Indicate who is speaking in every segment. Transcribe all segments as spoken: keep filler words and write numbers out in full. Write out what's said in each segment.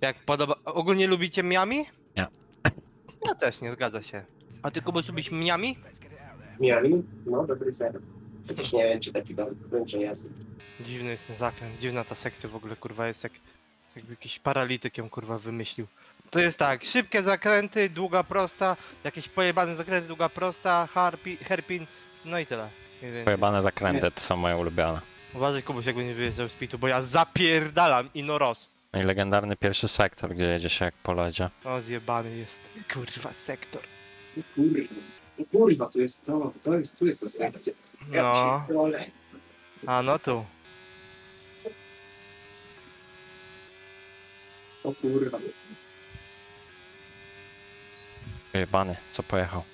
Speaker 1: Jak podoba... Ogólnie lubicie Miami?
Speaker 2: Nie.
Speaker 1: Ja też, nie zgadza się. A ty, Kubuś, lubisz Miami?
Speaker 3: Miami? No, dobry ser. Chociaż nie wiem, czy taki będzie jest.
Speaker 1: Dziwny jest ten zakręt, dziwna ta sekcja w ogóle, kurwa, jest jak... Jakby jakiś paralityk ją, kurwa, wymyślił. To jest tak, szybkie zakręty, długa prosta, jakieś pojebane zakręty, długa prosta, harpi, hairpin, no i tyle. Mniej więcej.
Speaker 2: Pojebane zakręty to są moje ulubione.
Speaker 1: Uważaj, Kubuś, jak nie wyjeżdżał z pitu, bo ja zapierdalam i no roz.
Speaker 2: No i legendarny pierwszy sektor, gdzie jedzie się jak po lodzie.
Speaker 1: O, zjebany jest, kurwa, sektor.
Speaker 3: Kurwa. Kurwa, tu jest to, to jest, tu jest ta sekcja. Ja
Speaker 1: No,
Speaker 3: pierdolę.
Speaker 1: a no tu.
Speaker 3: O kurwa.
Speaker 2: Pojebany, co pojechał?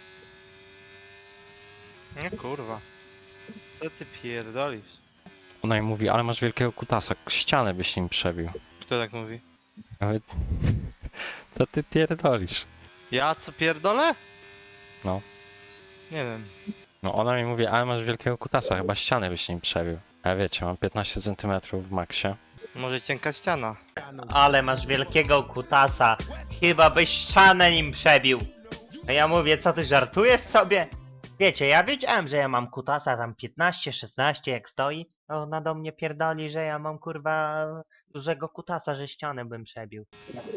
Speaker 1: Nie, kurwa. Co ty pierdolisz?
Speaker 2: Ona mi mówi, ale masz wielkiego kutasa, ścianę byś nim przebił.
Speaker 1: Kto tak mówi?
Speaker 2: Ja mówię, co ty pierdolisz?
Speaker 1: Ja co pierdolę?
Speaker 2: No.
Speaker 1: Nie wiem.
Speaker 2: No ona mi mówi, ale masz wielkiego kutasa, chyba ścianę byś nim przebił. A wiecie, mam piętnaście centymetrów w maksie.
Speaker 1: Może cienka ściana.
Speaker 4: Ale masz wielkiego kutasa. Chyba byś ścianę nim przebił. A ja mówię, co ty żartujesz sobie? Wiecie, ja wiedziałem, że ja mam kutasa tam piętnaście, szesnaście jak stoi. A ona do mnie pierdoli, że ja mam kurwa dużego kutasa, że ścianę bym przebił.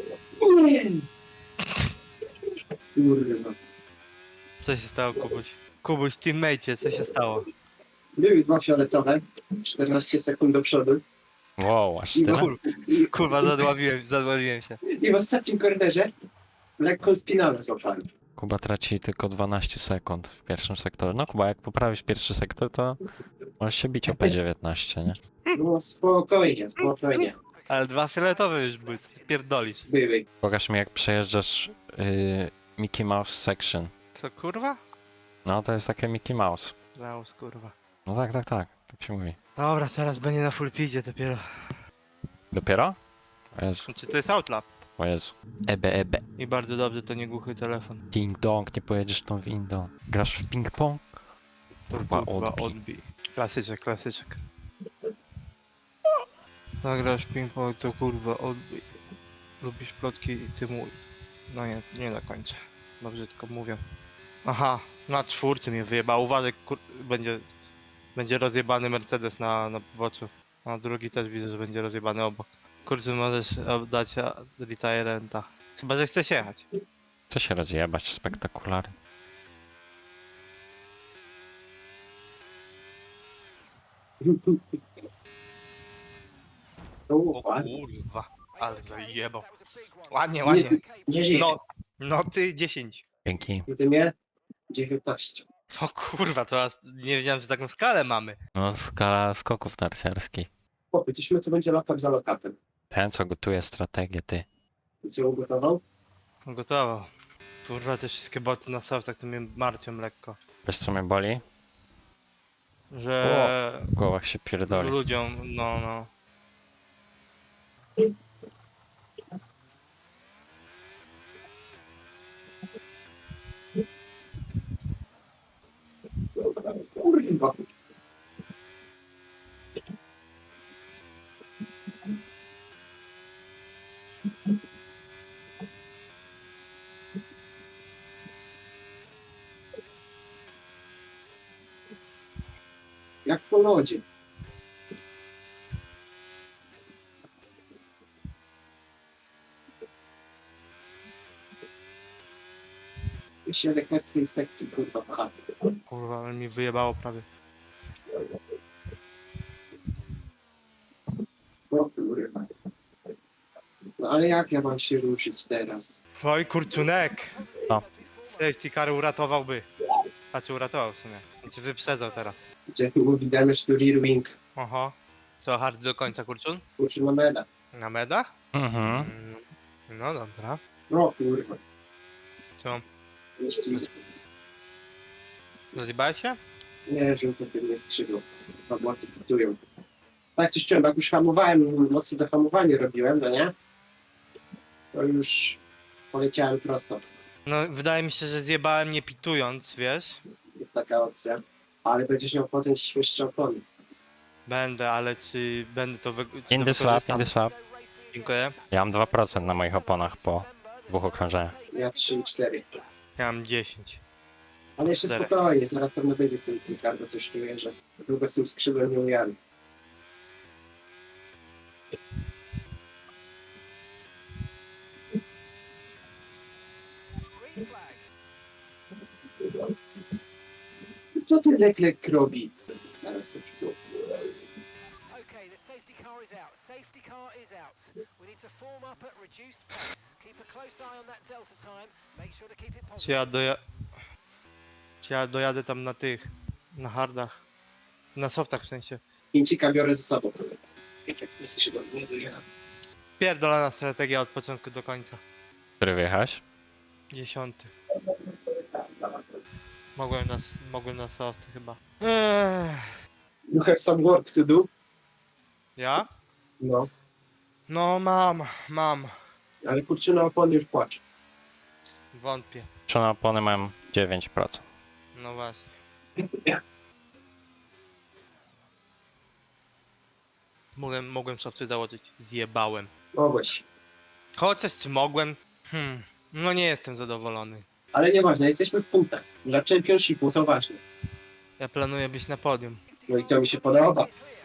Speaker 3: Kurwa.
Speaker 1: Co się stało, Kubuś? Kubuś, teammate, co się stało?
Speaker 3: Były dwa fioletowe, czternaście sekund do przodu.
Speaker 2: Wow, aż
Speaker 3: I,
Speaker 2: tyle?
Speaker 1: Kur,
Speaker 3: i,
Speaker 1: kurwa, zadławiłem, zadławiłem się.
Speaker 3: I w ostatnim kornerze lekką spinalę złapałem.
Speaker 2: Kuba traci tylko dwanaście sekund w pierwszym sektorze. No Kuba, jak poprawisz pierwszy sektor, to możesz się bić o P dziewiętnaście, nie?
Speaker 3: No spokojnie, spokojnie.
Speaker 1: Ale dwa fioletowe już były, co ty pierdolisz?
Speaker 3: Były.
Speaker 2: Pokaż mi, jak przejeżdżasz yy, Mickey Mouse section.
Speaker 1: Co, kurwa?
Speaker 2: No to jest takie Mickey Mouse.
Speaker 1: Laus, kurwa.
Speaker 2: No tak, tak, tak. Tak się mówi.
Speaker 1: Dobra, teraz będzie na full pidzie dopiero.
Speaker 2: Dopiero? O Jezu,
Speaker 1: Znaczy, to jest outlap.
Speaker 2: o Jezu. Ebe, ebe.
Speaker 1: I bardzo dobrze, to nie głuchy telefon.
Speaker 2: Ding dong, nie pojedziesz tą windą. Grasz w ping-pong? Kurwa, odbij.
Speaker 1: odbij. Klasyczek, klasyczek. Nagrasz ping-pong, to kurwa, odbij. Lubisz plotki i ty mój. No nie, nie dokończę. Dobrze tylko mówię. Aha, na czwórce mnie wyjebał. Uważaj, kur... będzie, będzie rozjebany Mercedes na, na poboczu. A drugi też widzę, że będzie rozjebany obok. Kurczę, możesz oddać retirenta. Chyba, że chcesz jechać.
Speaker 2: Chce się rozjebać, spektakularnie.
Speaker 3: No,
Speaker 1: O
Speaker 3: ładnie.
Speaker 1: kurwa, ale zajebał. Ładnie, ładnie.
Speaker 3: Nie żyje.
Speaker 1: No, no ty dziesięć.
Speaker 2: Dzięki.
Speaker 3: I ty mnie? dziewiętnaście.
Speaker 1: O kurwa, to aż nie wiedziałem, że taką skalę mamy.
Speaker 2: No, skala skoków narciarskich.
Speaker 3: Chłopie, tyśmy to będzie lokap za lokapem.
Speaker 2: Ten, co gotuje strategię, ty.
Speaker 3: I co ugotował?
Speaker 1: Gotowo. Kurwa, te wszystkie boty na softach to mnie martwią lekko.
Speaker 2: Wiesz, co mnie boli?
Speaker 1: Że
Speaker 2: W głowach się pierdoli.
Speaker 1: ludziom, no no.
Speaker 3: Kurwa. Jak po lodzie. Się jak w tej sekcji, kurwa, pcha.
Speaker 1: Kurwa, ale mi wyjebało prawie.
Speaker 3: O kurwa. No ale jak ja mam się ruszyć teraz?
Speaker 1: Oj, kurczunek!
Speaker 2: Co?
Speaker 1: Safety car uratowałby. Znaczy uratował w sumie. Cię wyprzedzał teraz.
Speaker 3: Jeff mówi damage to rear wing.
Speaker 1: Oho. Co, hard do końca, kurczun?
Speaker 3: Kurczę, na meda.
Speaker 1: Na medach?
Speaker 2: Mhm.
Speaker 1: Mm, no dobra.
Speaker 3: No kurwa.
Speaker 1: Co?
Speaker 3: Jeszcze
Speaker 1: Rozjebałeś się?
Speaker 3: nie rzucę tym nie skrzydło. Roboty putują. Tak coś czułem, jak już hamowałem, mocno dohamowanie robiłem, no nie? To już poleciałem prosto.
Speaker 1: No, wydaje mi się, że zjebałem nie pitując, wiesz?
Speaker 3: Jest taka opcja. Ale będziesz miał potem świeższe opony.
Speaker 1: Będę, ale czy będę to wy... czy
Speaker 2: In
Speaker 1: to
Speaker 2: the slap, in
Speaker 1: wykorzystam?
Speaker 2: the slap.
Speaker 1: Dziękuję.
Speaker 2: Ja mam dwa procent na moich oponach po dwóch okrążeniach.
Speaker 3: Ja trzy i cztery.
Speaker 1: Ja mam dziesięć.
Speaker 3: Ale jeszcze
Speaker 1: Cztery.
Speaker 3: spokojnie, zaraz pewno będzie z tym kilka, bo coś czuję, że długo z tym skrzydłem nie ujadę. Co ten Leclerc robi? Zaraz już tu.
Speaker 5: Okay, the safety car is out. Safety car is out. We need to form up at reduced pace. Keep a close eye on that delta time. Make sure to keep it
Speaker 1: Czy
Speaker 5: positive.
Speaker 1: ja doja... Czy ja dojadę tam na tych... Na hardach? Na softach w sensie.
Speaker 3: Chińczyka biorę ze sobą. Jak ze skrzydłem nie dojechał.
Speaker 1: Pierdolona strategia od początku do końca.
Speaker 2: Który wyjechałeś?
Speaker 1: Dziesiąty. Mogłem na, s- mogłem na softy chyba. Ech.
Speaker 3: You have some work to do?
Speaker 1: Ja?
Speaker 3: No.
Speaker 1: No mam, mam.
Speaker 3: Ale kurczę, na opony już płacze.
Speaker 1: Wątpię.
Speaker 2: Czy na opony mam dziewięć procent.
Speaker 1: No właśnie. Mogłem, mogłem softy założyć. Zjebałem.
Speaker 3: Mogłeś.
Speaker 1: Chociaż czy mogłem? Hmm. No nie jestem zadowolony.
Speaker 3: Ale nieważne, jesteśmy w punktach. Dla Championshipu to ważne.
Speaker 1: Ja planuję być na podium.
Speaker 3: No i to mi się podoba.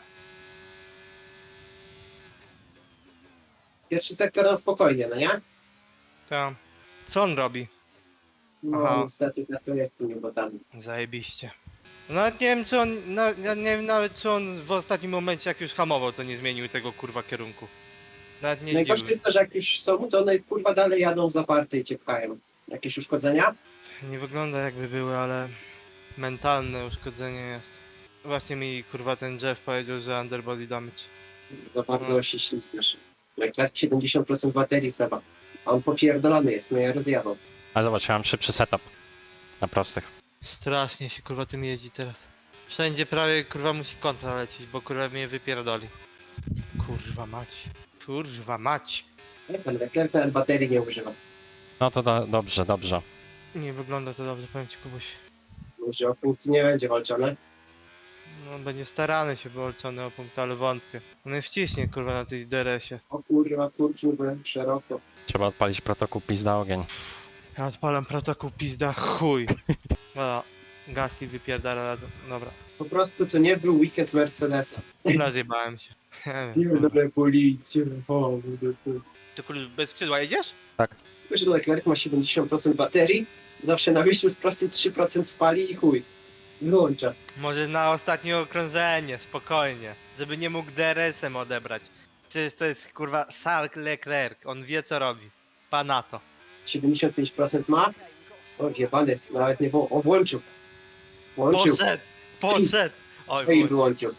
Speaker 3: Pierwszy sektor na spokojnie, no nie?
Speaker 1: To. Co on robi?
Speaker 3: No
Speaker 1: Aha.
Speaker 3: niestety tak to jest z tymi botami.
Speaker 1: Zajebiście. Nawet nie wiem czy on. Na, ja nie wiem nawet czy on w ostatnim momencie jak już hamował to nie zmienił tego kurwa kierunku. Nawet nie
Speaker 3: Najgorsze
Speaker 1: dziwił.
Speaker 3: jest to, że jak już są, to one kurwa dalej jadą zaparte i cię pchają. Jakieś uszkodzenia?
Speaker 1: Nie wygląda jakby były, ale mentalne uszkodzenie jest. Właśnie mi kurwa ten Jeff powiedział, że underbody damage.
Speaker 3: Za bardzo
Speaker 1: No.
Speaker 3: się ślizgasz. Leclerc siedemdziesiąt procent baterii Seba. A on popierdolony jest, mnie rozjadał.
Speaker 2: A zobacz, ja mam szybszy setup. Na prostych.
Speaker 1: Strasznie się kurwa tym jeździ teraz. Wszędzie prawie kurwa musi kontra lecieć, bo kurwa mnie wypierdoli. Kurwa mać. Kurwa mać.
Speaker 3: Nie, ten Leclerc nawet baterii nie używa.
Speaker 2: No to do, dobrze, dobrze.
Speaker 1: Nie wygląda to dobrze, powiem ci Kubuś.
Speaker 3: Może o punkt nie będzie walczone.
Speaker 1: No będzie starany się walczony o punkt, ale wątpię. On wciśnie kurwa na tej D R S-ie.
Speaker 3: O kurwa, kurczę, byłem szeroko.
Speaker 2: Trzeba odpalić protokół pizda ogień.
Speaker 1: Ja odpalam protokół pizda chuj. Dobra, Gasly wypierdala razem. Dobra,
Speaker 3: Po prostu to nie był weekend Mercedesa.
Speaker 1: rozjebałem się. Nie
Speaker 3: Nie
Speaker 1: wiem, kurwa.
Speaker 3: będę policję. O,
Speaker 1: Ty kurwa bez skrzydła jedziesz?
Speaker 3: tylko, że Leclerc ma siedemdziesiąt procent baterii. Zawsze na wyjściu z prostej trzy procent spali i chuj. Wyłącza.
Speaker 1: Może na ostatnie okrążenie, spokojnie. Żeby nie mógł D R S-em odebrać. Przecież to jest kurwa Charles Leclerc, on wie co robi. Pa na to.
Speaker 3: siedemdziesiąt pięć procent ma. O, jebany, nawet nie wło... O, włączył. Włączył.
Speaker 1: Poszedł! Poszedł! Oj,
Speaker 3: No i
Speaker 1: chuj.
Speaker 3: wyłączył.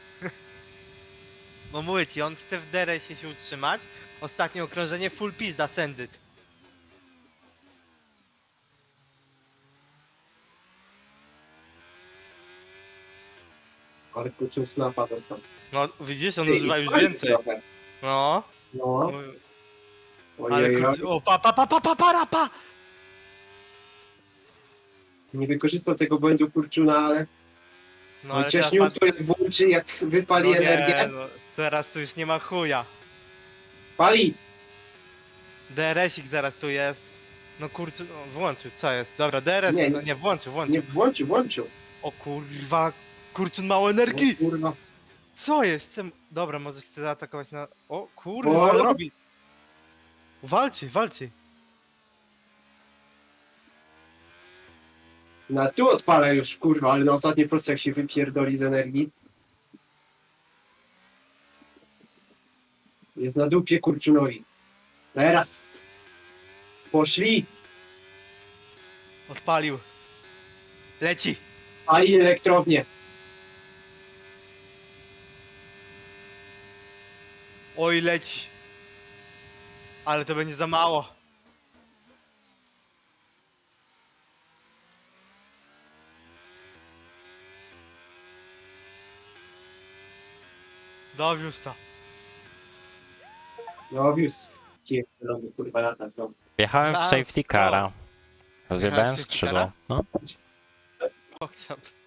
Speaker 1: No mówię ci, on chce w D R S-ie się utrzymać. Ostatnie okrążenie full pizda, send it.
Speaker 3: Ale kurczę, snapa dostał.
Speaker 1: No widzisz, on
Speaker 3: Ej,
Speaker 1: używa już
Speaker 3: spalił
Speaker 1: więcej.
Speaker 3: trochę.
Speaker 1: No.
Speaker 3: No,
Speaker 1: Ale
Speaker 3: ojej,
Speaker 1: kurczę, o pa pa pa pa pa pa pa!
Speaker 3: nie wykorzystał tego błędu kurczuna, ale
Speaker 1: No ale
Speaker 3: chociaż
Speaker 1: teraz,
Speaker 3: to jak włączy, jak wypali
Speaker 1: no nie,
Speaker 3: energię.
Speaker 1: no, teraz tu już nie ma chuja.
Speaker 3: Pali!
Speaker 1: D R S-ik zaraz tu jest. No kurczę, no, włączył, co jest? Dobra, D R S,
Speaker 3: Nie,
Speaker 1: no
Speaker 3: nie.
Speaker 1: nie, włączył, włączył.
Speaker 3: Nie, włączył, włączył.
Speaker 1: O kurwa, kurczę, mało
Speaker 3: O,
Speaker 1: energii!
Speaker 3: kurwa.
Speaker 1: Co jest? Czemu? Dobra, może chce zaatakować na... O kurwa,
Speaker 3: O!
Speaker 1: robi. Walczy, walczy.
Speaker 3: Na tu odpala już, kurwa, ale na ostatniej prostej jak się wypierdoli z energii. Jest na dupie kurczunowi. Teraz! Poszli!
Speaker 1: Odpalił. Leci.
Speaker 3: Pali elektrownię.
Speaker 1: Oj, leci. Ale to będzie za mało. Dowiózł to.
Speaker 3: No wiózł. Pierdolony, kurwa, lata znowu.
Speaker 2: Wjechałem w
Speaker 1: Last
Speaker 2: safety cara. Rozjebałem
Speaker 1: safety
Speaker 2: skrzydło.
Speaker 1: cara?
Speaker 2: No.
Speaker 1: O, chciał-